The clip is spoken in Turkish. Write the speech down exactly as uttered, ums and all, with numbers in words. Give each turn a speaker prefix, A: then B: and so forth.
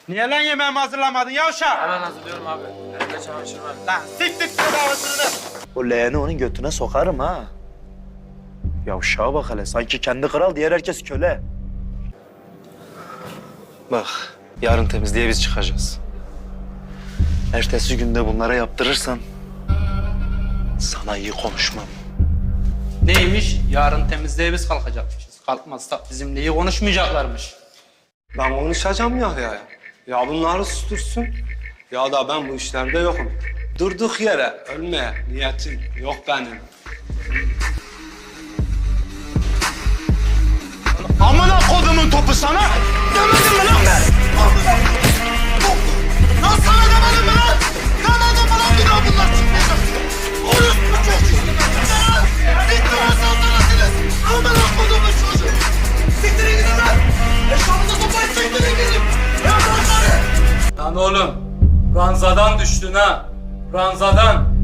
A: Niye lan yemeğimi hazırlamadın yavşak?
B: Hemen hazırlıyorum abi. Elimde çamaşır var.
A: Lan siktir bedavasını.
C: O leğeni onun götüne sokarım ha. Yavşağa bak hele. Sanki kendi kral, diğer herkes köle. Bak, yarın temizliğe biz çıkacağız. Ertesi günde bunlara yaptırırsan sana iyi konuşmam.
A: Neymiş? Yarın temizliğe biz kalkacakmışız. Kalkmazsak bizimle iyi konuşmayacaklarmış.
D: Ben konuşacağım ya ya. Ya bunları sustursun. Ya da ben bu işlerde yokum. Durduk yere ölmeye niyetim yok benim.
A: Amına kodumun topu sana! Demedim mi lan ben? Lan sana demedim mi lan? Demedim mi lan bir daha bunlar çıkmayacak? Orospu çocuğu! Bitti o saltanatınız! Amına kodumun çocuğu! Siktirin gidin lan! Eşabınıza toplayıp siktirin gidin! Ya bunları!
B: Lan oğlum, ranzadan düştün ha. Ranzadan.